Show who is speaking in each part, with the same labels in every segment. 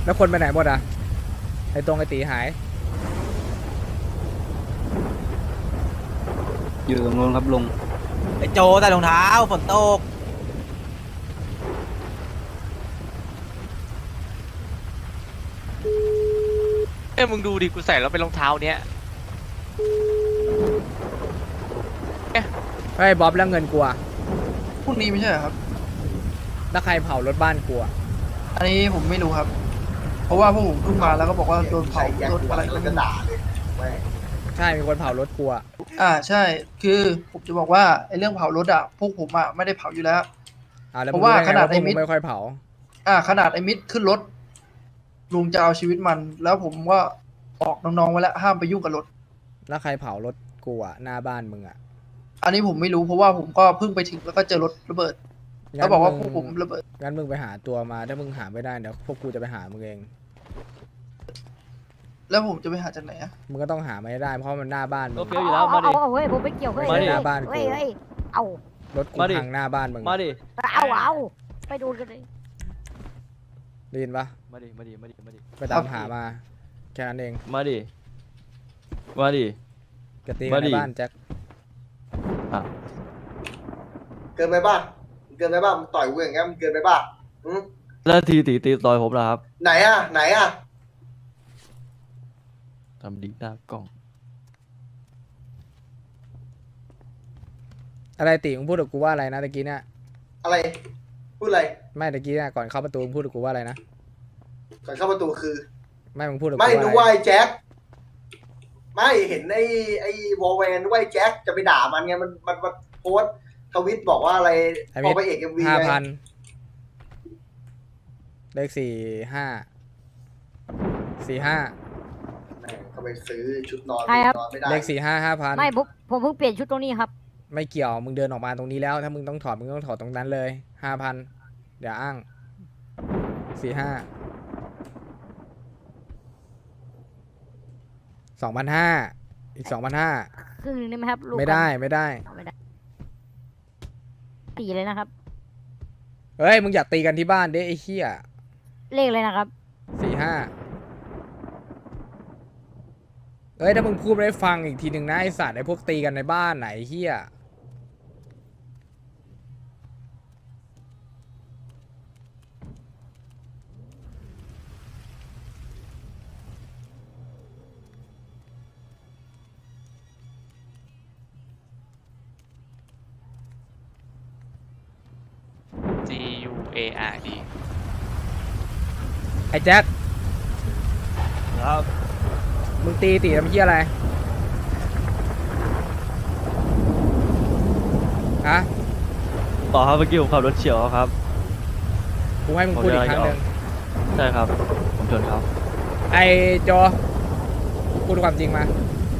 Speaker 1: แล้วคนไปไหนหมดอ่ะไอ้ตรงไอ้ตีหาย
Speaker 2: อยู่ตรงนู้นครับลุง
Speaker 3: ไอโจใส่รองเท้าฝนตก
Speaker 4: เอ้ยมึงดูดิกูใส่แล้วเป็นรองเท้าเนี้ย
Speaker 1: ไอ้บ๊อบแล้วเงินกูอะ
Speaker 5: พรุ่งนี้ไม่ใช่เหรอครับ
Speaker 1: แล้วใครเผารถบ้านกูอะ
Speaker 5: อันนี้ผมไม่รู้ครับ เพราะว่าพวกผมเพิ่งมาแล้วก็บอกว่าโดนเผารถอะไรก็ไม่รู้
Speaker 1: ใช่มีคนเผารถกูอะ
Speaker 5: ใช่ คือผมจะบอกว่าไอ้เรื่องเผารถอ่ะพวกผมอ่ะไม่ได้เผาอยู่แล้ว
Speaker 1: แล้ว
Speaker 5: เพราะว่า
Speaker 1: มึง
Speaker 5: ขนาด
Speaker 1: ไอ้
Speaker 5: ไอ้มิ
Speaker 1: มิ
Speaker 5: ด
Speaker 1: ไม่ค่อยเผา
Speaker 5: ขนาดไอ้มิดขึ้นรถลุงจะเอาชีวิตมัน แล้วผมก็บอกน้องๆไว้แล้วห้ามไปยุ่งกับรถ
Speaker 1: แล้วใครเผารถกูอะหน้าบ้านมึงอะ
Speaker 5: อันนี้ผมไม่รู้เพราะว่าผมก็เพิ่งไปถึงแล้วก็เจอรถระเบิดแล้วบอกว่าพวกผมระเบิด
Speaker 1: งั้นมึงไปหาตัวมาถ้ามึงหาไม่ได้เดี๋ยวพวกกูจะไปหามึงเอง
Speaker 5: แล้วผมจะไปหาจากไหนอ่ะ
Speaker 1: มึงก็ต้องหามาให้ได้เพราะมันหน้าบ้านมึ
Speaker 2: ก็
Speaker 1: ง
Speaker 2: เฟี้ยวอยู่แล้วมาดิ
Speaker 6: เฮ้ยผมไม่เกี่ยวเฮ้ย
Speaker 2: มาดิ
Speaker 1: หน้าบ้านกู
Speaker 6: เฮ้ยเอา
Speaker 1: รถกู
Speaker 2: มาดิ
Speaker 1: พังหน้าบ้านมึง
Speaker 2: มาดิ
Speaker 6: เอาไปดูกันเลย
Speaker 1: ได้ยินปะ
Speaker 2: มาดิมาดิมาดิมาดิ
Speaker 1: ไปตามหามาแค่นั้นเอง
Speaker 2: มาดิมาดิ
Speaker 1: กตีกันในบ้านแจ็ค
Speaker 2: อ่ะ
Speaker 7: เกินไปบ้างเกินไปบ้างมึงต่อยกูอย่างเงี้ยมึงเกินไปบ้างอืม
Speaker 2: แล้วทีตีต่อยผมนะครับ
Speaker 7: ไหนอะไหนอะ
Speaker 2: ทำดีหน้ากล้อง
Speaker 1: อะไรตีมึงพูดกับกูว่าอะไรนะตะกี้เนี่ย
Speaker 7: อะไร พูดอะไร
Speaker 1: ไม่ตะกี้เนี่ยก่อนเข้าประตูมึงพูดกับกูว่าอะไรนะ
Speaker 7: ก่อนเข้าประตูคือ
Speaker 1: ไม่มึงพูดกับกู
Speaker 7: ไม่
Speaker 1: ว่า
Speaker 7: นึก
Speaker 1: อะไร
Speaker 7: ว่าไอ้แจ็คไม่เห็นไอ้วอลแวนนึกว่าไอ้แจ็คจะไปด่ามันไงมันโพสต์ทวิตบอกว่าอะไร
Speaker 1: ไอ้
Speaker 7: พ
Speaker 1: มิ
Speaker 7: อ
Speaker 1: ต
Speaker 7: ไปเอกเอ็มวี
Speaker 1: 5,000เลข45 45
Speaker 7: แม่งเขาไปซื้อชุดนอน
Speaker 6: ใช่ครับ
Speaker 7: นอนไม่ได้
Speaker 1: เลข45 5,000
Speaker 6: ไม่ผมเพิ่งเปลี่ยนชุดตรงนี้ครับ
Speaker 1: ไม่เกี่ยวมึงเดินออกมาตรงนี้แล้ว ถ้ามึงต้องถอดมึงต้องถอดตรงนั้นเลย 5,000อย่าอ้าง45 2,500อีก 2,500
Speaker 6: ครึ่งหนึงได้ไหมครับลูก
Speaker 1: ไม่ได้
Speaker 6: ไม่ได้ตีเลยนะครับ
Speaker 1: เฮ้ยมึงอยากตีกันที่บ้านเด้ไอ้เหี้ย
Speaker 6: เลขเลยนะครับ
Speaker 1: 45เฮ้ยถ้ามึงพูดไม่ได้ฟังอีกทีหนึ่งนะไอสัตว์ไอพวกตีกันในบ้านไหนเหี้ย
Speaker 4: GUARD
Speaker 1: ไอแจ็ค
Speaker 2: ครับ
Speaker 1: มึงตีตีทำเหี้ยอะไรฮะ
Speaker 2: ต่อครับเมื่อกี้ผมขับรถเฉียวเขาครับ
Speaker 1: กูให้มึงพูดอีกครั้งหนึ่ง
Speaker 2: ใช่ครับ ผมชนเขา
Speaker 1: ไอโจพูดความจริงมา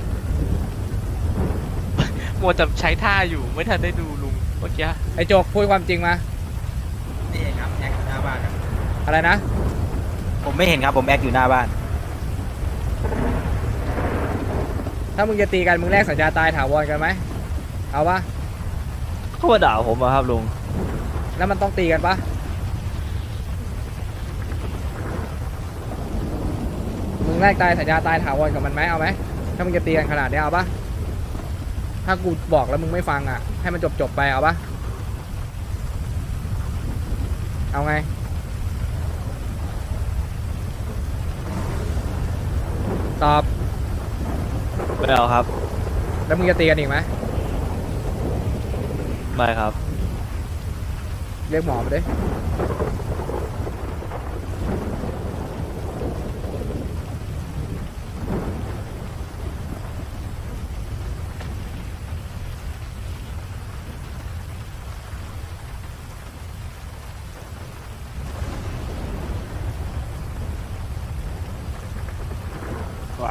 Speaker 4: มัวแต่ใช้ท่าอยู่ไม่ทันได้ดูลุงเมื่อกี้
Speaker 1: ไอโจพูดความจริงมา
Speaker 3: นี่ครับแอคอยู่หน้าบ้านครับ
Speaker 1: อะไรนะ
Speaker 3: ผมไม่เห็นครับผมแอคอยู่หน้าบ้าน
Speaker 1: ถ้ามึงจะตีกันมึงแลกสัญญาตายถาวรกันไหมเอาปะ
Speaker 2: เขามาด่าผมอะครับลุง
Speaker 1: แล้วมันต้องตีกันปะมึงแลกตายสัญญาตายถาวรกับมันไหมเอาไหมถ้ามึงจะตีกันขนาดนี้เอาปะถ้ากูบอกแล้วมึงไม่ฟังอ่ะให้มันจบไปเอาปะเอาไงตอบ
Speaker 2: ไม่เอาครับ
Speaker 1: แล้วมึงจะตีกันอีกไหม
Speaker 2: ไม่ครับ
Speaker 1: เรียกหมอมาดิว่า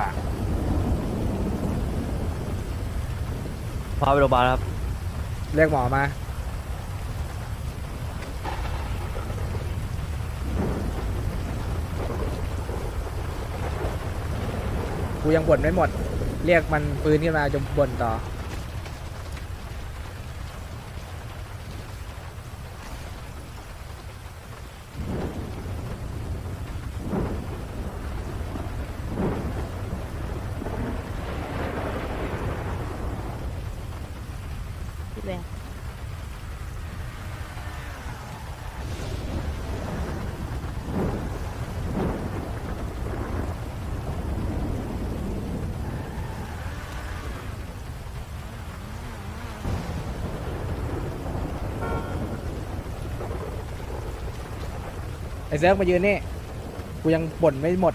Speaker 2: พาไปโรงพยาบาลครับ
Speaker 1: เรียกหมอมากูยังบ่นไม่หมด เรียกมันปืนขึ้นมาจะบ่นต่อ
Speaker 6: ด้วย
Speaker 1: ไอ้เซิร์ฟมายืนนี่กูยังบ่นไม่หมด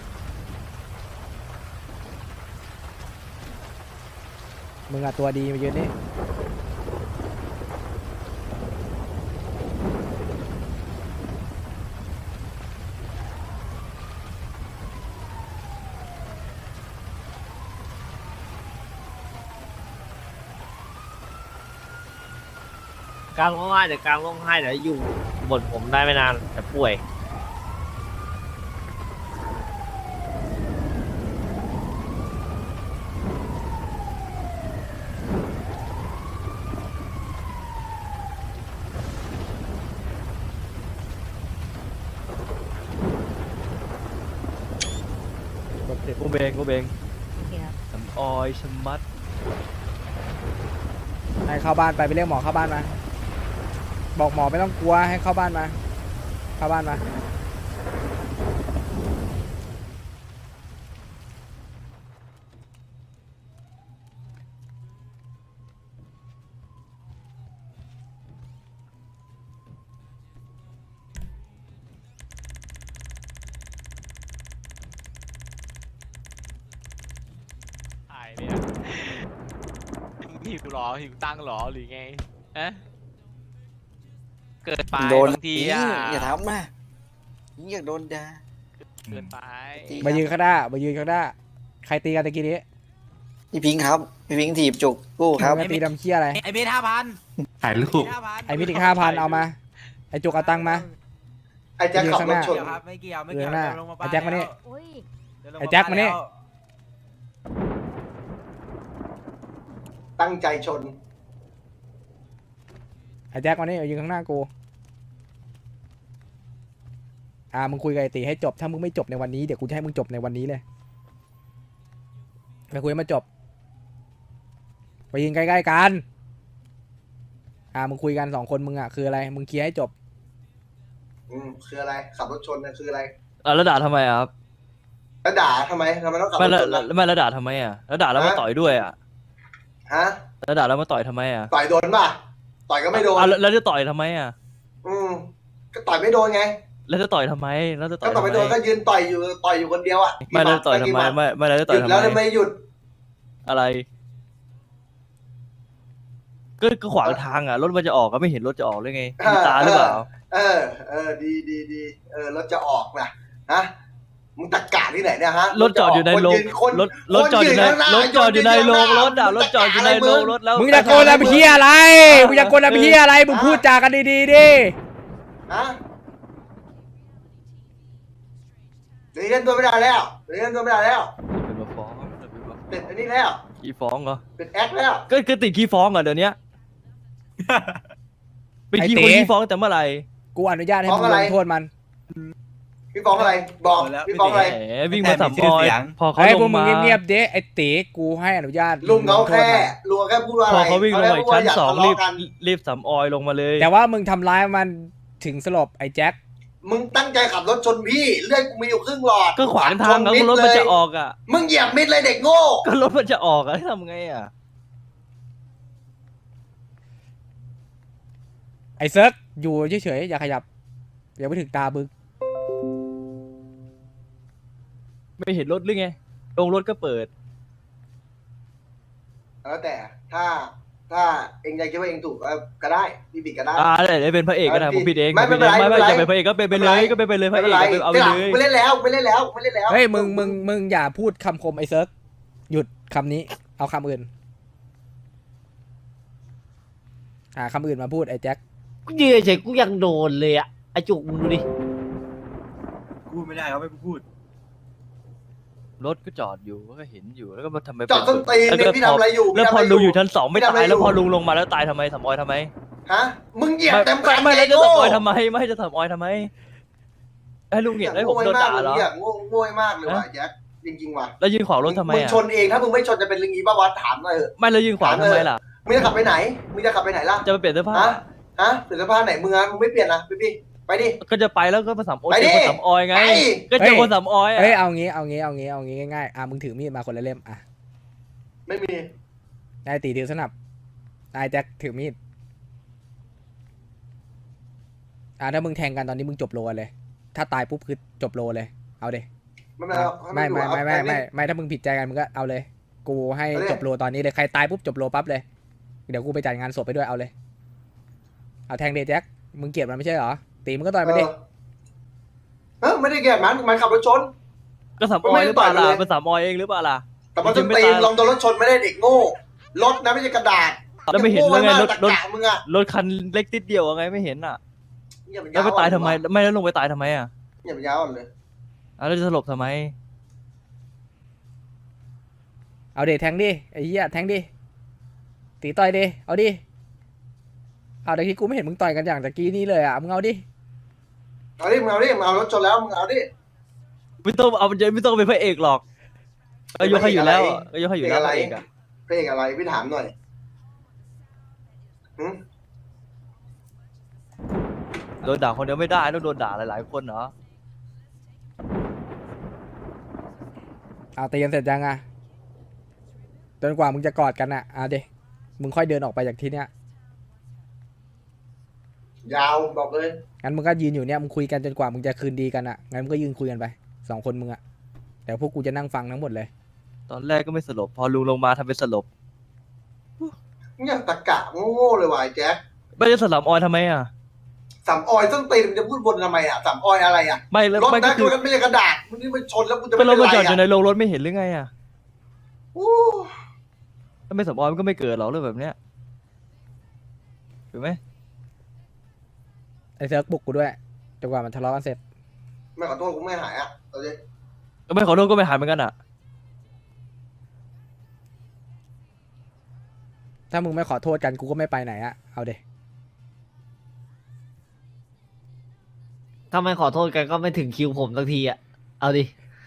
Speaker 1: มึงอะตัวดีมายืนนี่
Speaker 8: กลางร้องไห้เดี๋ยวกลางร้องไห้เดี๋ยวอยู่บนผมได้ไม่นานแต่ป่วย
Speaker 2: กูเบงกูเบง
Speaker 6: โอเคครับ
Speaker 2: สำออยสมัด
Speaker 1: ให้เข้าบ้านไปเรียกหมอเข้าบ้านมาบอกหมอไม่ต้องกลัวให้เข้าบ้านมาเข้าบ้านมา
Speaker 4: ตายเนี่ยหิวหรอหิวตังค์หรอหรือไงอะเกิดไป
Speaker 9: โดน
Speaker 4: บางทีอ่ะ
Speaker 9: อย่าทำนะอยากโดนด่า
Speaker 4: เกินไป
Speaker 1: มายืนข้างหน้ามายืนข้างหน้าใครตีกันตะกี้นี้
Speaker 9: พี่พิงค์ครับ พี่พิงค์ถีบจุกกู้ครับ
Speaker 1: มึงจะตีดำเคี้ยอะไร
Speaker 3: ไอ้เบส5,000
Speaker 10: ถ่ายรูป
Speaker 1: ไอ้มิติ5,000เอามาไอ้จุกเอาตังค์มา
Speaker 7: ไอ้แจ็คขับรถชน
Speaker 3: ไม่เกี่ยวไม่
Speaker 1: เดื
Speaker 3: เกี่
Speaker 1: อ
Speaker 3: ยว
Speaker 1: หน้า
Speaker 3: เดี๋ยวลงมา
Speaker 1: ไอ้แจ็คมานี่
Speaker 6: โอ้ย
Speaker 3: เดี๋ยวลง
Speaker 1: ไอ้แจ็คมานี่
Speaker 3: แล้ว
Speaker 7: ตั้งใจชน
Speaker 1: ไอ้แจ็คมานี่เอายืนข้างหน้ากูมึงคุยกับไอ้ตีให้จบถ้ามึงไม่จบในวันนี้เดี๋ยวกูจะให้มึงจบในวันนี้เลยไปคุยให้มันจบไปยืนใกล้ๆกันมึงคุยกัน2 คนมึงอะคืออะไรมึงเคลียร์ให้จบ
Speaker 7: คืออะไร ขับรถชนนะคืออะไร
Speaker 2: แล้วด่าทำไมอะครับ
Speaker 7: แล้วด่าทำไมต้องขับร
Speaker 2: ไม่
Speaker 7: ถ
Speaker 2: แล้ว
Speaker 7: ชนล่ะ
Speaker 2: แล้วด่าทำไมอะแล้วด่าแล้วมาต่อยด้วยอะ
Speaker 7: ฮะ
Speaker 2: แล้วด่าแล้วมาต่อยทำไมอะ
Speaker 7: ต่อยโดนป่ะ ต่อยก็ไม่โดน
Speaker 2: แล้วจะต่อยทำไมอะ
Speaker 7: ก็ต่อยไม่โดนไง
Speaker 2: แล้วจะต่อยทำไมแล้วจะต่
Speaker 7: ก็
Speaker 2: อย
Speaker 7: ต่อย
Speaker 2: ทำ
Speaker 7: ไม่
Speaker 2: ไม
Speaker 7: โดนก็ยืนต่อยอยู่คนเดียวอ่ะ
Speaker 2: ไม่แล้วจะต่อยทำไมไม่แล้วจะ
Speaker 7: ห
Speaker 2: ต่อย
Speaker 7: ยุด
Speaker 2: ทำ
Speaker 7: แล้ว
Speaker 2: ไม
Speaker 7: ทำไมหยุด
Speaker 2: อะไรก็ขวางทางอ่ะรถมันจะออกก็ไม่เห็นรถจะออกเลยไงมีตาหรือเปล่า
Speaker 7: ดีรถจะออกนะฮะมึงตะกาที่ไหนเนี่ยฮะ
Speaker 2: รถจอดอยู่ในโรงรถจอดอยู่ในรถจอดอยู่ในโรงรถอ่ะรถจอดอยู่ในโรงรถแล้ว
Speaker 1: มึงจะโกนอะไรเพี้ยอะไรมึงจะโกนอะไรเพี้ยอะไรมึงพูดจากันดีๆดิ
Speaker 7: ฮะเดี๋ยวเล่นตัวไม่ได้แล้ว
Speaker 2: เป็นมาฟ้อง
Speaker 7: ติดอันนี้แล้ว
Speaker 2: ขี้ฟ้องเหรอ
Speaker 7: ติดแอคแล้ว
Speaker 2: ก็ติดขี้ฟ้องเหรอเดี๋ยวนี้เป็นขี้คนขี้ฟ้องแต่เมื่อไหร่
Speaker 1: กูอนุญาตให้มึงลงโทษมัน
Speaker 7: พี่ฟ้องอะไรบอกพี่ฟ้องอะไร
Speaker 2: แหมวิ่งมาสัมภาระพอเขา
Speaker 1: ไอ้
Speaker 2: ล
Speaker 1: พวก
Speaker 2: ง
Speaker 1: มึง
Speaker 2: มา
Speaker 1: เงียบๆเด้ไอ้ตีกูให้อนุญาต
Speaker 7: ลุงเขา
Speaker 1: ลโทษ
Speaker 7: แค่พูดว่าอะไร
Speaker 2: พอเขาวิ่งลงมาอีกชั้น
Speaker 7: เขา
Speaker 2: 2
Speaker 7: แค่ว่าอย่าทะเลาะกัน
Speaker 2: รีบสำออยลงมาเลย
Speaker 1: แต่ว่ามึงทำร้ายมันถึงสลบไอ้แจ็ค
Speaker 7: มึงตั้งใจขับรถชนพี่เลือดกูมีอยู่ครึ่งหลอด
Speaker 2: ก็ขวางทางแล้วรถมันจะออกอ่ะ
Speaker 7: มึงเหยียบมิดเลยเด็กโง่
Speaker 2: ก็รถมันจะออกอ่ะทำไงอ่ะ
Speaker 1: ไอ้เซิร์กอยู่เฉยๆอย่าขยับอย่าไปถึงตาบึก
Speaker 2: ไม่เห็นรถหรือไงลงรถก็เปิด
Speaker 7: แล้วแต่ถ้าเองยังคิดว่าเองถูกก็ได้พี่บิดก็ได้
Speaker 2: ได้เป็นพระเอกก็ได้ผมผิดเอง
Speaker 7: ไม่เป็นไร
Speaker 2: ไม่
Speaker 7: ไม่เป็นไร
Speaker 2: จะเป็นพระเอกก็เป็นไปเลยก็เป็นไปเลยพระเอกเอาไปเลย
Speaker 7: ไม่เล่นแล้ว
Speaker 1: เฮ้ยมึงอย่าพูดคำคมไอ้เซิร์กหยุดคำนี้เอาคำอื่นคำอื่นมาพูดไอ้แจ็ค
Speaker 8: กูยืนเฉยกูยังโดนเลยอะไอจุกมึงดูดิ
Speaker 3: พูดไม่ได้เขาไม่พูด
Speaker 2: รถก็จอดอยู่ก็เห็นอยู่แล้วก็มาทำไม
Speaker 7: จอดต้นตีนนี่พี่ทำอะไรอยู่
Speaker 2: แล้วพอลุงอยู่ชั้น 2ไม่ตายแล้วพอลุงลงมาแล้วตายทำไมสำออยทำไม
Speaker 7: ฮะมึงเหยียบเต็มคัน
Speaker 2: ไม่แล้วจะสำออยทำไมไม่ให้จะสำออยทำไมให้ลุงเห็นให้ผมโดนด่าเหรอ
Speaker 7: โง่มากเลยว่ะแจ็คจริงๆว่ะ
Speaker 2: แล้วยืนขวางรถทำไม
Speaker 7: มึง
Speaker 2: อ่ะ
Speaker 7: ชนเองถ้ามึงไม่ชนจะเป็นลิงอีบ้าวะถามหน่อยเถอะ
Speaker 2: ไม่แล้วยืนขวางทำไมล่ะ
Speaker 7: มึงจะขับไปไหนมึงจะขับไปไหนล่ะ
Speaker 2: จะไปเปลี่ยนเสื้อผ้า
Speaker 7: ฮะเปลี่ยนเสื้อผ้าไหนมึงไม่เปลี่ยนนะพี่ไปดิ
Speaker 2: ก็จะไปแล้วก็มาสามโอ
Speaker 7: ไปดิ
Speaker 2: เจอคนสามออยไง
Speaker 7: ไป
Speaker 2: ก็เจอคนสามออย
Speaker 1: เอ้ย
Speaker 2: อ่ะ
Speaker 1: เอางี้ง่ายๆมึงถือมีดมาคนละเล่ม
Speaker 7: ไม่มี
Speaker 1: นายตีถือสนับนายแจ็คถือมีดถ้ามึงแทงกันตอนนี้มึงจบโลเลย ถ้าตายปุ๊บคือจบโลเลยเอาเด ไม่ถ้ามึงผิดใจกันมึงก็เอาเลย กูให้จบโลตอนนี้เลยใครตายปุ๊บจบโลปั๊บเลยเดี๋ยวกูไปจัดงานศพไปด้วยเอาเลยเอาแทงเดแจ็คมึงเกลียดมันไม่ใช่เหรอตีมึงก็ต่อยไปดิ
Speaker 7: ไม่ได้เกลียดมันขับรถชน
Speaker 2: ก็สามออยหรือเปล่าล่ะเป็นสามออยเองหรือเปล่าล่ะ
Speaker 7: แต่มันจะตีลองโดนรถชนไม่ได้เด็กโง่รถนะไม่ใช่กระดาษ
Speaker 2: แล้วไม่เห็นเลยไงรถ
Speaker 7: มึงอะ
Speaker 2: รถคันเล็กติดเดียวไงไม่เห็นอ่ะ
Speaker 7: อย่าไป
Speaker 2: แล้วไปตายทำไมไม่แล้วลงไปตายทำไมอ่ะ
Speaker 7: อย่าไปยาวเลย
Speaker 2: แล้วจะสลบทำไม
Speaker 1: เอาเดแทงดิไอ้เหี้ยแทงดิตีต่อยดิเอาดิเอาแต่ที่กูไม่เห็นมึงต่อยกันอย่างตะกี้นี้เลยอ่ะมึงเอาดิ
Speaker 7: เอาดิมึงเอารถชนแล้วมึงเอาดิ
Speaker 2: ไม่ต้องเอาไม่ต้องเป็นพระเอกหรอกก็ยกให้อยู่แล้วก็ยกให้อยู่แล้วพระเอกอะ
Speaker 7: เพลงอะไรพี่ถามหน่อย
Speaker 2: โดนด่าคนเดียวไม่ได้ต้องโดนด่าหลายๆคนเนาะ
Speaker 1: เอาตีกันเสร็จยังอ่ะจนกว่ามึงจะกอดกันอ่ะเอาดิมึงค่อยเดินออกไปจากที่เนี้ย
Speaker 7: ยาวบอกเลย
Speaker 1: งั้นมึงก็ยืนอยู่เนี้ยมึงคุยกันจนกว่ามึงจะคืนดีกันอ่ะงั้นมึงก็ยืนคุยกันไป2 คนมึงอ่ะเดี๋ยวพวกกูจะนั่งฟังทั้งหมดเลย
Speaker 2: ตอนแรกก็ไม่สลบพอลุงลงมาทำเป็นสลบ
Speaker 7: เนี่ยตะกะโง่ๆเลยวายแจ๊ค
Speaker 2: ไม่จะสลับออยทำไมอ่ะ
Speaker 7: สามออยต้องตีมันจะพูดบนทำไมอ่ะสามออยอะไรอ่ะ
Speaker 2: ไม่แล้ว
Speaker 7: รถ
Speaker 2: ไม่ก็
Speaker 7: นะ
Speaker 2: คือ
Speaker 7: มันไม่ใช่กระดาษมันนี่มันชนแล้วกูจะ
Speaker 2: เป็นรถ
Speaker 7: ไร
Speaker 2: มาจอดอยู่ใน
Speaker 7: อ่ะ
Speaker 2: โรงรถไม่เห็นหรือไงอ่ะ
Speaker 7: โอ้
Speaker 2: ถ้าไม่สลับออยมันก็ไม่เกิดหรอกเรื่องแบบเนี้ยถูกไหม
Speaker 1: ไอ้เซิร์กบุกกูด้วยจนกว่ามันทะเลาะกันเสร็จ
Speaker 7: ไม่ขอโทษกูไม่หายอ่ะเอาดิ
Speaker 2: ก็ไม่ขอโทษก็ไม่หายเหมือนกันอ่ะ
Speaker 1: ถ้ามึงไม่ขอโทษกันกูก็ไม่ไปไหนอ่ะเอาเด
Speaker 8: ถ้าไม่ขอโทษกันก็ไม่ถึงคิวผมสักทีอ่ะ เอาดิ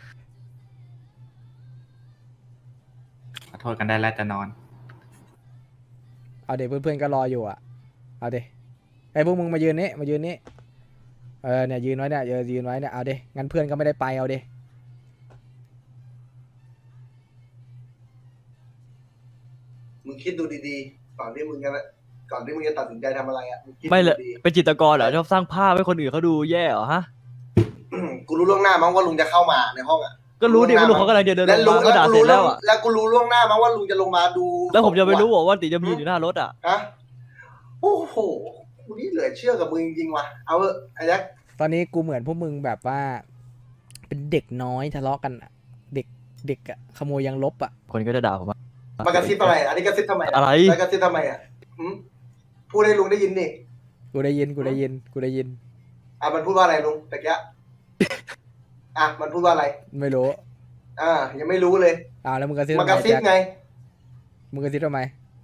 Speaker 3: ขอโทษกันได้แล้วจะนอน
Speaker 1: เอาเดเพื่อนๆก็รออยู่อ่ะเอาเดไอ้พวกมึงมายืนนี่เนี่ยยืนไว้เนี่ยยืนไว้เนี่ยเอาเดงั้นเพื่อนก็ไม่ได้ไปเอาเด
Speaker 7: มึงคิดดูดีๆก่อนที่มึงจะตัดสินใจทำอะไรอ่ะงคิด
Speaker 2: ไม่เลย
Speaker 7: ดี
Speaker 2: เป็นจิตรกรเหรอชอบสร้างภาพให้คนอื่นเขาดูแย่เหรอฮะ
Speaker 7: ๆ กูรู้ล่วงหน้ามั้งว่าลุงจะเข้ามาในห้องอ่ะ
Speaker 2: ก็รู้ดิว่าลุงเขากำลังจะเดินล
Speaker 7: และ
Speaker 2: ง
Speaker 7: ลุง
Speaker 2: มาก็ด่าเสร็จแล้วอ่ะ
Speaker 7: แล้วกูรู้ล่วงหน้ามั้งว่าลุงจะลงมาดู
Speaker 2: แล้วผมจะไปรู้ว่าตีจะมีอยู่หน้ารถอ่ะ
Speaker 7: ฮะโอ้โหกูนี่เหลือเชื่อกับมึงจริงๆว่ะเอาเถอะไอ้แจ็ค
Speaker 1: ตอนนี้กูเหมือนพวกมึงแบบว่า เป็นเด็กน้อยทะเลาะกันอะเด็กอะขโมยยังลบอะ
Speaker 2: คนก็จะด่าผมอะ
Speaker 7: มากระซิบอะไรอันนี้กระซิบทำไม
Speaker 2: อะไร
Speaker 7: แล้วกระซิบทำไมอ่ะหืมพูดให้ลุงได้ยินนี่
Speaker 1: กูได้ยิน
Speaker 7: มันพูดว่าอะไรลุงตะกี้มันพูดว่าอะไร
Speaker 1: ไม่รู้
Speaker 7: ยังไม่รู้เลย
Speaker 1: แล้วมึงกระซิบ
Speaker 7: มากระซิบ
Speaker 1: แจ็ค
Speaker 7: ไง
Speaker 1: มึงกระซิบทำไม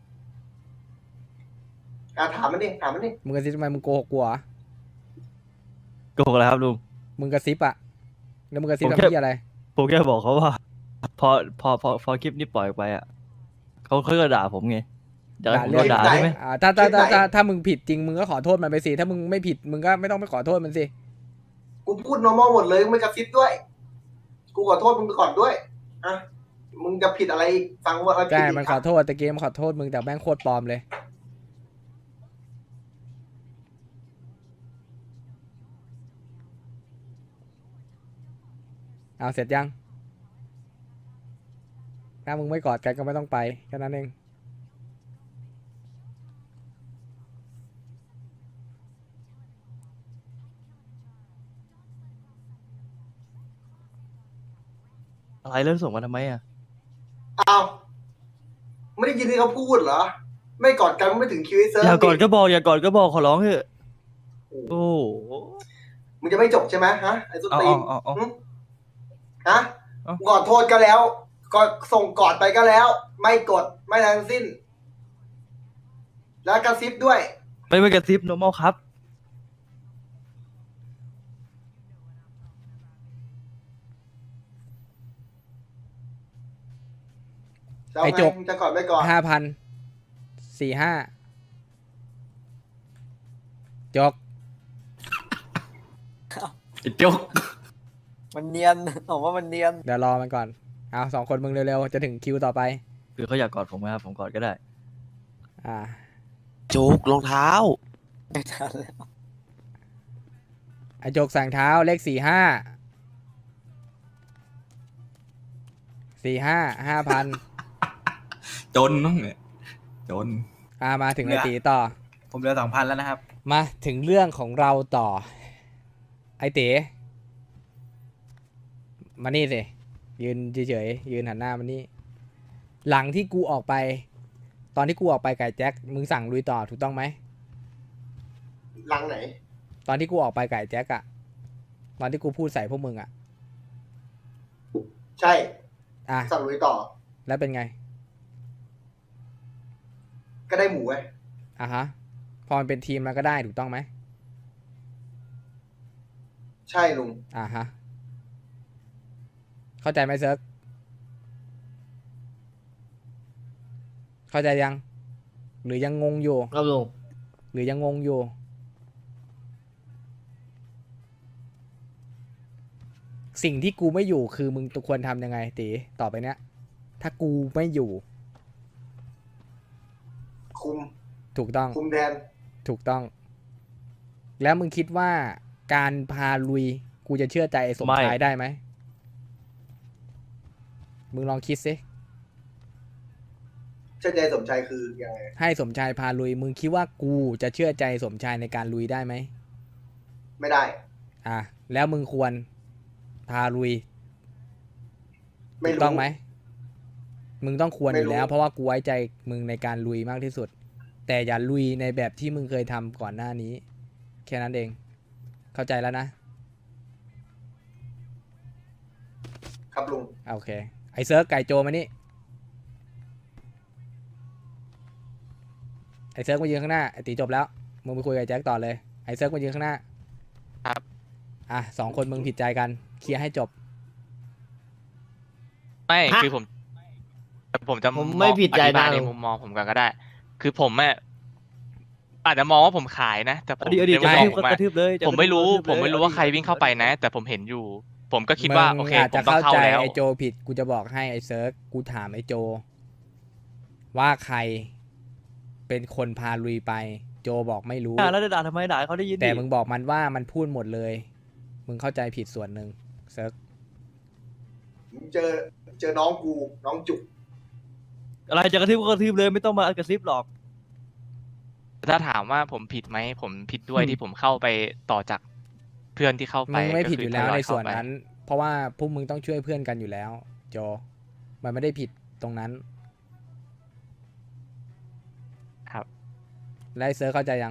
Speaker 7: ถามมันดิ
Speaker 1: มึงกระซิบทำไมมึงโกหกกูเหรอ
Speaker 2: โกหกอะไรครับลุง
Speaker 1: มึงกระซิบอะแล้วมึงกระซิบ
Speaker 2: ผม
Speaker 1: ทำ
Speaker 2: แค่
Speaker 1: ที่อะไร
Speaker 2: ผมแค่บอกเขาว่า พอคลิปนี้ปล่อยออกไปอ่ะเขาก็ด่าผมไงอยากให้ผมโดนด่าใช่ไหม
Speaker 1: ถ้ามึงผิดจริงมึงก็ขอโทษมันไปสิถ้ามึงไม่ผิดมึงก็ไม่ต้องไปขอโทษมันสิ
Speaker 7: กูพูด normal หมดเลยไม่กระซิบด้วย กูขอโทษมึงไปก่อนด้วยมึงจะผิดอะไรอีกฟังว่าเขาผิด
Speaker 1: ใช่
Speaker 7: อีก
Speaker 1: มันขอโทษแต่เกมขอโทษมึงแต่แม่งโคตรปลอมเลยเอาเสร็จยังถ้ามึงไม่กอดกันก็ไม่ต้องไปแค่นั้นเอง
Speaker 2: อะไรเรื่องส่งมาทำไมอ่ะ
Speaker 7: อ้าวไม่ได้ยินที่เขาพูดเหรอ ไม่กอดกันไม่ถึงคิวไอ้เซิร์ฟ
Speaker 2: อย่ากอดก็บอกขอร้องเถอะโอ้โห
Speaker 7: มึงจะไม่จบใช่ไหมฮะไอ้ส้นตีน
Speaker 2: เอา
Speaker 7: ฮะ
Speaker 2: เอา
Speaker 7: กอดโทษก็แล้วก็ส่งกอดไปก็แล้ว ไม่กดไม่ทั้งสิ้น แล้วกระซิบด้วย
Speaker 2: ไม่กระซิบ normal ครับ
Speaker 7: จะเอา
Speaker 1: ไอ้
Speaker 7: ไง
Speaker 1: จก
Speaker 7: มึงจะกอดไม่กอด
Speaker 1: 5,000 จก
Speaker 3: ไอ้จุก
Speaker 9: มันเนียนผมว่ามันเนียน
Speaker 1: เดี๋ยวรอมันก่อนเอา2 คนมึงเร็วๆจะถึงคิวต่อไป
Speaker 2: คือเขาอยากกอดผมนะครับผมกอดก็ได้
Speaker 1: อ่า
Speaker 8: จุกรองเท้า
Speaker 9: ไม่ทันแล้ว
Speaker 1: ไอจกสั่งเท้าเลข45 5,000
Speaker 3: จนน้องเนี่ยจน
Speaker 1: มาถึงไอตีต่อ
Speaker 3: ผมเหลือ2,000แล้วนะครับ
Speaker 1: มาถึงเรื่องของเราต่อ ไอเต๋มานี่สิยืนเฉยๆยืนหันหน้ามานี่ หลังที่กูออกไป ตอนที่กูออกไปไก่แจ็คมึงสั่งลุยต่อถูกต้องไหม
Speaker 7: หลังไหน
Speaker 1: ตอนที่กูออกไปไก่แจ็คอะตอนที่กูพูดใส่พวกมึงอะ
Speaker 7: ใช่
Speaker 1: อ่ะ
Speaker 7: สั่งลุยต่อ
Speaker 1: แล้วเป็นไง
Speaker 7: ก็ได้หมูไง
Speaker 1: อ่ะฮะพอมันเป็นทีมมันก็ได้ถูกต้องไหม
Speaker 7: ใช่ลุง
Speaker 1: อ่ะฮะเข้าใจไหมเซิร์กเข้าใจยัง หรือยังงงอยู่
Speaker 8: ครับลุง
Speaker 1: หรือยังงงอยู่ สิ่งที่กูไม่อยู่คือมึงควรทำยังไงตีต่อไปเนี้ยถ้ากูไม่อยู่
Speaker 7: คุม
Speaker 1: ถูกต้อง
Speaker 7: คุมแทน
Speaker 1: ถูกต้อง แล้วมึงคิดว่าการพาลุยกูจะเชื่อใจไอ้สมชายได้ไหมมึงลองคิดสิ
Speaker 7: เชื่อใจสมชายคือยังไง
Speaker 1: ให้สมชายพาลุย มึงคิดว่ากูจะเชื่อใจสมชายในการลุยได้ไหม
Speaker 7: ไม่ได้
Speaker 1: อ่ะแล้วมึงควรพาลุย
Speaker 7: ไม่
Speaker 1: ถูก
Speaker 7: รู้
Speaker 1: ต้องไหมมึงต้องควร
Speaker 7: ไม่
Speaker 1: อยู่
Speaker 7: รู้
Speaker 1: แล้ว เพราะว่ากูไว้ใจมึงในการลุยมากที่สุด แต่อย่าลุยในแบบที่มึงเคยทำก่อนหน้านี้ แค่นั้นเอง เข้าใจแล้วนะครับ
Speaker 7: ลุง
Speaker 1: โอเคไอเซิร์ฟไก่โจมานี่ไอเซิร์ฟมายืนข้างหน้าไอตีจบแล้วมึงไปคุยกับแจ็คต่อเลยไอเซิร์ฟมายืนข้างหน้า
Speaker 4: ครับ
Speaker 1: อ่ะ2 คนมึงผิดใจกันเคลียร์ให้จบ
Speaker 4: ไม่
Speaker 8: ฮะ
Speaker 4: คือผมจะ
Speaker 8: ผมไม่ผิดใจ
Speaker 4: อธิบาย
Speaker 8: นะ
Speaker 4: ในมุมมองผมกันก็ได้ คือผมอาจจะมองว่าผมขายนะ แต่ผม
Speaker 2: อดีต
Speaker 4: ใน
Speaker 2: จะ
Speaker 4: มุม
Speaker 2: กระ
Speaker 4: มองผม
Speaker 2: ทืบก็กระทืบเลยจะ
Speaker 4: ผมไม่รู้
Speaker 2: กะทืบเลย
Speaker 4: ผมไม่รู้ว่าใครวิ่งเข้าไปนะ แต่ผมเห็นอยู่ ผมก็คิดว่าโอเค
Speaker 1: มึงอาจ
Speaker 4: ผ
Speaker 1: จะ
Speaker 4: มต้อง
Speaker 1: เข้า
Speaker 4: เข้า
Speaker 1: ใจ
Speaker 4: แล้ว
Speaker 1: ไอโจผิดกูจะบอกให้ไอเซิร์ฟกูถามไอโจ ว่าใครเป็นคนพาลุยไป โจบอกไม่รู้
Speaker 2: แล้วจะด่าทำไมด่าให้เขาได้ยินดิ
Speaker 1: แต่มึงบอกมันว่ามันพูดหมดเลย มึงเข้าใจผิดส่วนหนึ่งเซิร์ฟ
Speaker 7: เจอน้องกู น้องจุก
Speaker 2: อะไรจะกระทืบก็กระทืบเลยไม่ต้องมากระซิบหรอก
Speaker 4: ถ้าถามว่าผมผิดไหมผมผิดด้วยที่ผมเข้าไปต่อจากเพื่อนที่เข้าไป
Speaker 1: มึงไม่ผิด
Speaker 4: ก็
Speaker 1: อ
Speaker 4: คื
Speaker 1: ยู่แล้ว
Speaker 4: ทย
Speaker 1: ใน
Speaker 4: เข้า
Speaker 1: ส่วน
Speaker 4: ไป
Speaker 1: นั้น เพราะว่าพวกมึงต้องช่วยเพื่อนกันอยู่แล้ว โจ มันไม่ได้ผิดตรงนั้น
Speaker 4: ครับ
Speaker 1: และไอเซิร์ฟเข้าใจยัง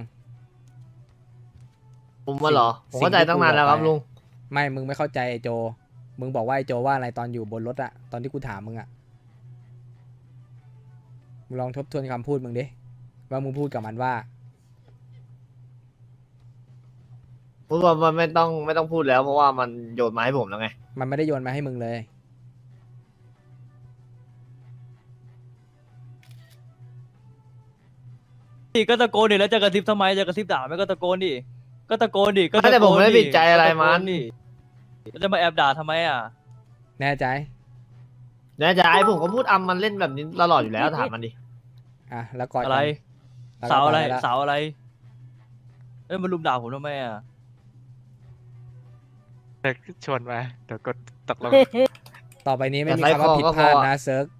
Speaker 8: ผมว่าเหรอ ผมเข้าใจตั้งนานแล้วครับลุง
Speaker 1: ไม่ มึงไม่เข้าใจไอโจ มึงบอกว่าไอโจว่าอะไรตอนอยู่บนรถอะตอนที่กูถามมึงอะมึงลองทบทวนคำพูดมึงดิ ว่ามึงพูดกับมันว่า
Speaker 8: พูดว่ามันไม่ต้องพูดแล้วเพราะว่ามันโยนมาให้ผมแล้วไง
Speaker 1: มันไม่ได้โยนมาให้มึงเลย
Speaker 2: ก็ตะโกนดิแล้วจะกระซิบทำไมจะกระซิบด่าไหมก็ตะโกนดิก็ตะโกนดิก็
Speaker 8: ไม่แต่ผมไม่ได้ผิดใจอะไรมัน
Speaker 2: แล้วจะมาแอบด่าทำไมอ่ะ
Speaker 1: แน่ใจ
Speaker 8: แน่ใจผมก็พูดมันเล่นแบบนี้ตลอดอยู่แล้วถามมันดิ
Speaker 1: อ่ะ แล้วก่อน
Speaker 2: อะไร
Speaker 1: แล้วก็
Speaker 2: สาวอะไร
Speaker 1: ปแล้ว
Speaker 2: สาวอะไรมันลุมด่าผมทำไมอ่ะ
Speaker 4: เดี๋ยวชวนมาเดี๋ยวกดตกลง
Speaker 1: ต่อไปนี้ไม่มี
Speaker 8: แต่ไลฟ์
Speaker 1: คำว่าผิดพลาด
Speaker 8: คอก็พอ
Speaker 1: นะเซิร์ฟ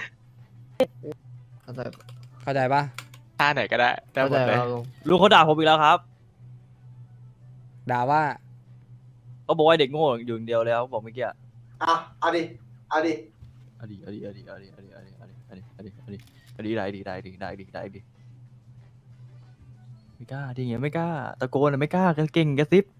Speaker 1: เข้าใจปะ
Speaker 4: ท่าไหนก็ได้ได้หมดเลย
Speaker 8: ครับลุง
Speaker 2: ลุงเขาด่าผมอีกแล้วครับ
Speaker 1: ด่าว่า
Speaker 2: เขาบอกว่าเด็กโง่อยู่อย่างเดียวแล้วบอกเมื่อกี้
Speaker 7: อ่ะ เอาดิ เอาดิ
Speaker 2: อดีได้ดิไม่กล้าดิไงไม่กล้าตะโกนอะไม่กล้าเก่งกระซิบ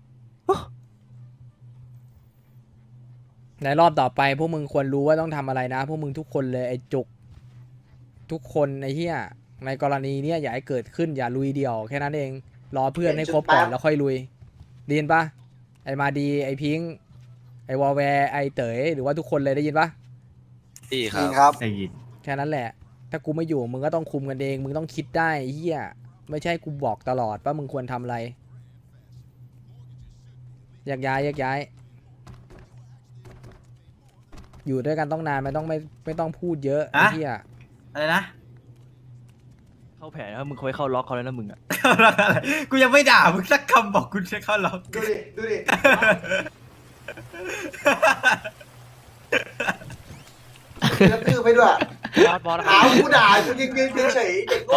Speaker 1: ในรอบต่อไปพวกมึงควรรู้ว่าต้องทำอะไรนะ พวกมึงทุกคนเลยไอ้จุก ทุกคนไอ้เหี้ยในกรณีเนี้ยอย่าให้เกิดขึ้นอย่าลุยเดี่ยวแค่นั้นเอง รอเพื่อนให้ครบก่อนแล้วค่อยลุยได้ยินปะไอ้มาดีไอ้พิงค์ไอ้วอลแวร์ไอ้เต๋ยหรือว่าทุกคนเลยได้ยินปะ
Speaker 9: จริงครับ
Speaker 3: ได้ยิน
Speaker 1: แค่นั้นแหละถ้ากูไม่อยู่มึงก็ต้องคุมกันเองมึงต้องคิดได้เฮียไม่ใช่กูบอกตลอดว่ามึงควรทำอะไรแยกย้ายแยกย้ายอยู่ด้วยกันต้องนานไม่ต้องพูดเยอะไอ้เฮีย
Speaker 3: อะไรนะ
Speaker 2: เข้าแผนนะมึงคอยเข้าล็อกเขาแล้วนะมึงอะ
Speaker 3: กูยังไม่ด่ามึงสักคำบอกกูจะเข้าล็อก
Speaker 7: ดูดิ ดูดิกระทืบไปด้วย
Speaker 4: บอส
Speaker 7: หากูด่ากูยืนเฉยๆเด็กโง่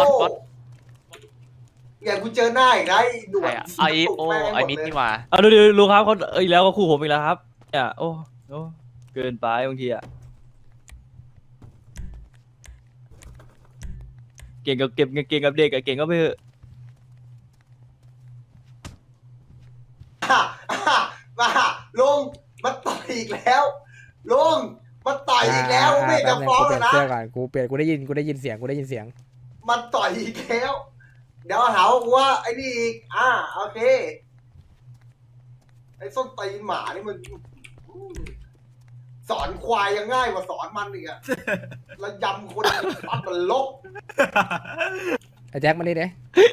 Speaker 7: อย่ากูเจอหน้าอีกนะไอ้หนวด
Speaker 4: ไอโอไอมิดนี่หว่า
Speaker 2: เอาดูลุงครับเขาอีกแล้วก็คู่ผมอีกแล้วครับเนี่ยโอ้เกินไปบางทีอะเก่งกับเก็บเก่งกับเด็กอะเก่งก็ไปเถอะ
Speaker 7: มาลุงมาต่อยอีกแล้วลุงมาต่อยอีกแล้วไม่จะฟ้อง
Speaker 1: กูเป
Speaker 7: แล้
Speaker 1: ลี่
Speaker 7: วย
Speaker 1: น
Speaker 7: นะ
Speaker 1: เสื้อก่อนกูได้ยินเสียง
Speaker 7: มันต่อยอีกแล้ว เดี๋ยวหาว่าไอ้นี่อีกโอเคไอ้ส้นตีนหมานี่มันสอนควายยังง่ายกว่าสอนมันอีกอะแล้วยำคนปัดมันลบ
Speaker 1: ไอ้แจ็คมานี่เด้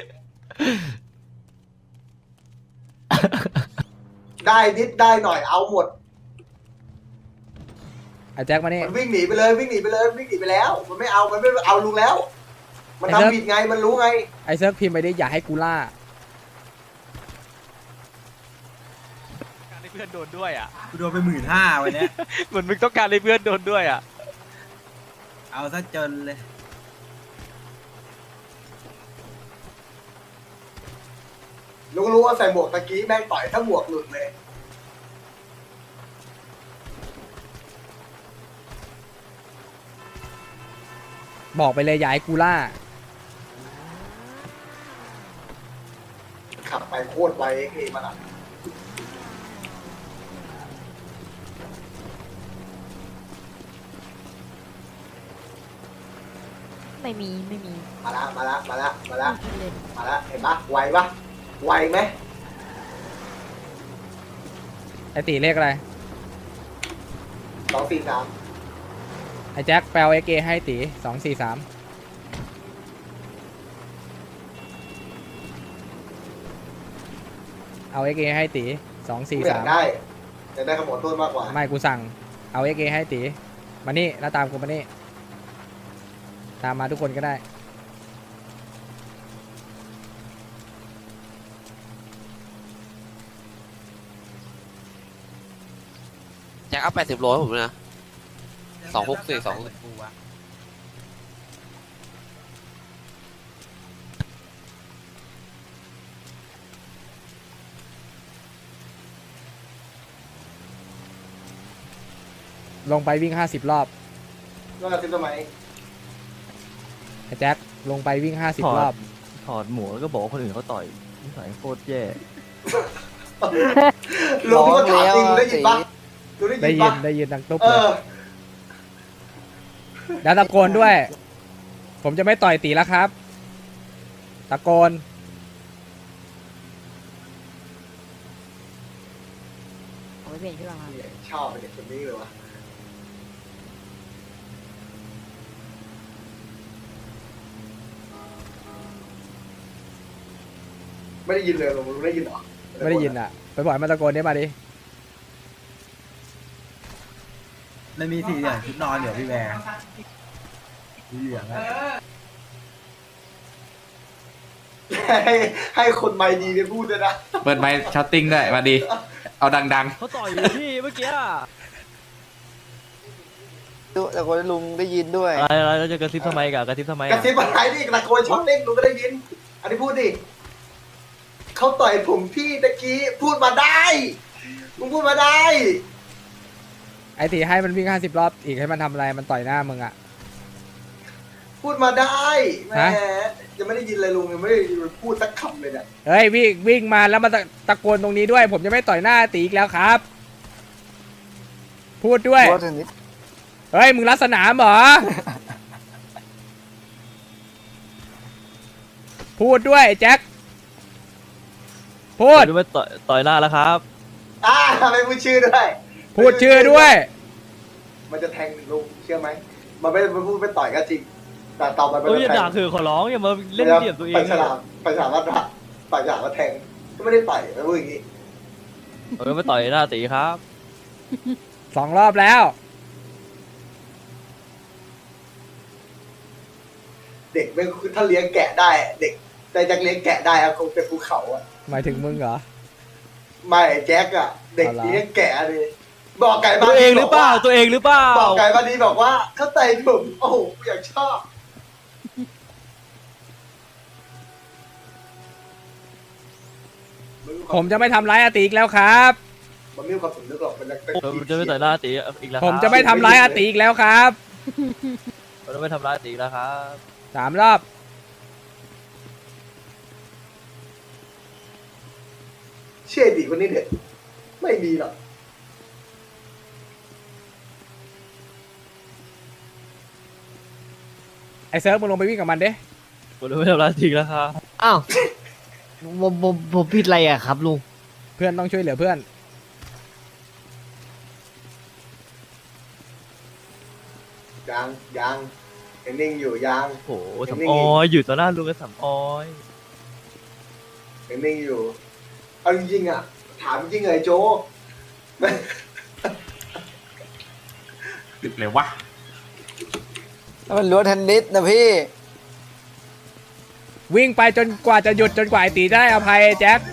Speaker 7: ได้นิดได้หน่อยเอาหมด
Speaker 1: ไอ้แจ็คมานี่
Speaker 7: มันวิ่งหนีไปเลยวิ่งหนีไปแล้ว มันไม่เอาลุงแล้ว มันทำผิดไงมันรู้ไง
Speaker 1: ไอ้เซิร์ฟพิมพ์ไปดิอย่าให้กูล่า
Speaker 4: การให้เพื่อนโดนด้วยอ่ะ
Speaker 3: กูโดนไป15,000วันเนี้ย
Speaker 4: เหมือนมึงต้องการให้เพื่อนโดนด้วยอ่ะ
Speaker 3: เอาซะจนเลย
Speaker 7: ลุงรู้ว่าใส่หมวกตะกี้แม่งต่อยถ้าหมวกหลุดเลย
Speaker 1: บอกไปเลยอย่าให้กูล่า
Speaker 7: ขับไปโคตรไวเอ็กซ์มันอ่ะ
Speaker 6: ไม่มี
Speaker 7: มาละ
Speaker 6: ไม่คิดเลย
Speaker 7: มาละเห็นปะไวปะไวไหม
Speaker 1: ไอ้ตีเลขอะไร
Speaker 7: 243
Speaker 1: ไอ้แจ็คแปลเอเกให้ตี243เอาเอเกให้ตี
Speaker 7: ไม่อยาก
Speaker 1: 243
Speaker 7: ได้อยากได้ขโมยโทษมากกว่า
Speaker 1: ไม่กูสั่งเอาเอเกให้ตีมานี่แล้วตามกูมานี่ตามมาทุกคนก็ได้
Speaker 10: แจ็คเอา80 โลให้ผมนะ264
Speaker 1: ลงไปวิ่ง50 รอบ
Speaker 7: ก็กระซิบทำไม
Speaker 1: ไอ้แจ็คลงไปวิ่ง50 รอบ
Speaker 2: ถอดหมวกแล้วก็บอกว่าคนอื่นเขาต่อยนิสัยโคตรแย่
Speaker 7: ลุงก็ถามจริงได้ยินปะลุง
Speaker 1: ได้
Speaker 7: ได้
Speaker 1: ยิ
Speaker 7: ยิ
Speaker 1: น
Speaker 7: นปะ
Speaker 1: ได้ยินดังตุ๊บ
Speaker 7: เอ
Speaker 1: เลย
Speaker 7: อ
Speaker 1: แล้วตะโกนด้วย ผมจะไม่ต่อยตีแล้วครับ ตะโกน
Speaker 6: เอาไปเปลี่ยนชุดก่อนครับ
Speaker 7: ชอบเด็กคนนี้เลยวะไม่ได้ยินเลยลุงได้ยินเหรอ
Speaker 1: ไม่ได้ยินอ่ะ ไปบอกให้มันตะโกนได้มาดิ
Speaker 3: มันมีสีเหลืองชุดนอนเดี๋ยวพี่แบร์สีเหลืองอะ
Speaker 7: ให้คนไม่ดีไปพูดด้วยนะ
Speaker 3: เปิดไมค์ช็อตติ้งด้วยมาดี เอาดัง
Speaker 2: เขาต่อยอยู่พี่เมื่อกี้อะ
Speaker 9: แต่คนลุงได้ยินด้วย
Speaker 2: อะไรแล้วจะกระซิบทำไมกะกระซิบทำไม
Speaker 7: กระ
Speaker 2: อะ
Speaker 7: ซิบอะไรนี่ตะโกนช็อตเต้นลุงก็ได้ยิน อันนี้พูดดิเขาต่อยผมพี่ตะกี้พูดมาได้ลุงพูดมาได้
Speaker 1: ไอ้ตีให้มันวิ่ง50 รอบอีกให้มันทำอะไรมันต่อยหน้ามึงอ่ะ
Speaker 7: พูดมาได้แหม
Speaker 1: ฮะ
Speaker 7: ยังไม่ได้ยินเลยลุงยังไม่ได้พูดสักคำเลยเนี่ย
Speaker 1: เฮ้ยวิ่งมาแล้วมาตะโกนตรงนี้ด้วย ผมจะไม่ต่อยหน้าตีอีกแล้วครับ พูดด้วย
Speaker 9: ว่าเทนนิส
Speaker 1: เฮ้ยมึงรัดสนามเหรอ พูดด้วยไอ้แจ็คพูด
Speaker 2: ผมจะไม่ต่อยหน้าแล้วครับ
Speaker 7: ไม่พูดชื่อด้วย
Speaker 1: พูดชื่อด้วย
Speaker 7: มันจะแทงลุงเชื่อไหมมันไม่พูดไปต่อยก็จริงแต่ต่อมัน
Speaker 2: เอ้ยอย่า
Speaker 7: แท
Speaker 2: ด่าง คือขอร้องอย่ามาเล่นเหลี่ยมตัวเอง
Speaker 7: ไปฉลามไปฉลามว่าต่อยฉลามว่าแทงก็ไม่ได้ต่อยไม่พูดอย่างนี้
Speaker 2: มาต่อยหน้าตีครับ
Speaker 1: 2 รอบแล้ว
Speaker 7: เด็กไม่ถ้าเลี้ยงแกะได้เด็กแต่จะเลี้ยงแกะได้อะคงเป็นภูเขาอะ
Speaker 1: หมายถึงมึงเหรอ
Speaker 7: ไม่แจ็คอะเด็ก
Speaker 1: เอาล่ะ
Speaker 7: เลี้ยงแกะเลยบอกไก่บ้า
Speaker 2: ตั
Speaker 7: น
Speaker 2: วเองหรือเปล่าตัวเองหรือเปล่า
Speaker 7: บอกไก่บ้านนี้บอกว่าเข้าใจผมโอ้โหอยากชอบ
Speaker 1: ผมจะไม่ทำร้ายอาติอีกแล้วครับ
Speaker 7: มันไม่มีความสำนึกหรอกมันเป็น
Speaker 2: ผมจะไม่ต่อยหน้าตีอีกแล้ว
Speaker 1: ผมจะไม่ทำร้ายอาติอีกแล้วครับ
Speaker 2: ผมจะไม่ทำร้ายตีแล้วครับ
Speaker 1: 3 รอบ
Speaker 7: เชื่อดีคนนี้เด็ดไม่มีหรอก
Speaker 1: ไอ้เซิร์ฟมึงลงไปวิ่งกับมันเด้
Speaker 2: ผมจะไม่ทำร้ายตีแล้วครับ
Speaker 8: อ้าวผมผิดอะไรอะครับลุง
Speaker 1: เพื่อนต้องช่วยเหลือเพื่อน
Speaker 7: ยังยังนิ่งอยู่ยัง
Speaker 2: โอ้โหสำออยอยู่ต่อหน้าลุงกับสำออย
Speaker 7: นิ่งอยู่เอาจริงๆอะถามจริงเลยโจ
Speaker 3: ติดเลยวะ
Speaker 9: มันรั้วเทนนิสนะพี่
Speaker 1: วิ่งไปจนกว่าจะหยุดจนกว่าไอ้ตีได้อภัยแจ็ค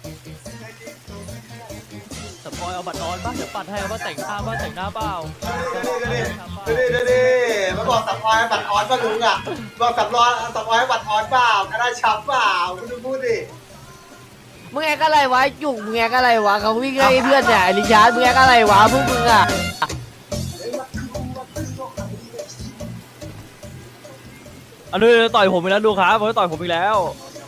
Speaker 2: สำออยเอาบัตรนอนบ้างเดี๋ยวปัดให้ว่าแต่งหน้าเปล่า
Speaker 7: ดูมาบอกสับออยบัตรออนป่ะลุงอะบอกสับออยบัตรออนเปล่าคณะชับเปล่าคุณดูพูดดิ
Speaker 8: มึงแอกอะไรวะจุกมึงแอกอะไรวะเขาวิ่งไล่เพื่อนเนี่ยไอ้ลิชาร์ดมึงแอกอะไรวะพวกมึงอะ
Speaker 2: อันนี้ต่อยผมอีกแล้วดูครับผมจะต่อยผมอีกแล้ว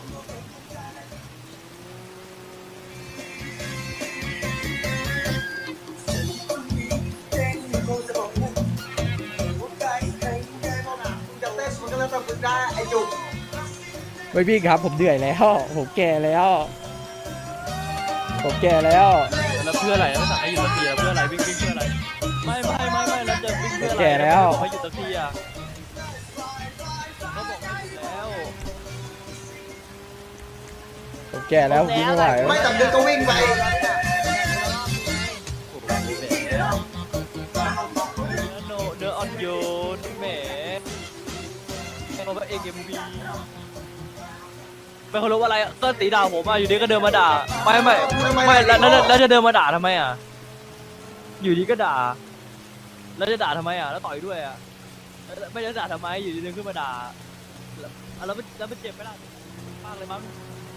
Speaker 7: จะเต้นมันก็แล้วแต่มึงได้ไอ้จุก
Speaker 1: ไม่วิ่งครับ ผมเหนื่อยแล้ว ผมแก่แล้ว ผมแก่แล้ว
Speaker 2: แล้วเพื่ออะไรแล้วสั่งให้หยุดสักทีเพื่ออะไรวิ่งเพื่ออะไรไม่แล้วจะวิ่งเพื่ออะไร
Speaker 1: แก่แล้ว
Speaker 2: บอกให้หยุดสักทีอะก็บอกให้หยุดแล้ว
Speaker 1: ผมแก่แล้วผมวิ่งไม่ไหว
Speaker 7: ไม่จำดึกก็วิ่งไป
Speaker 2: เนื้ออ่อนโยนแหมเพราะว่าเอ็มบีไม่เคารพอะไรก็ตีด่าผมอ่ะอยู่ดีก็เดินมาด่าไม่แล้วจะเดินมาด่าทำไมอ่ะอยู่ดีก็ด่าแล้วจะด่าทำไมอ่ะแล้วต่อยด้วยอ่ะไม่จะด่าทำไมอยู่ดีเดินขึ้นมาด่าแล้วมันเจ็บไหมล่ะมากเลยมั้ง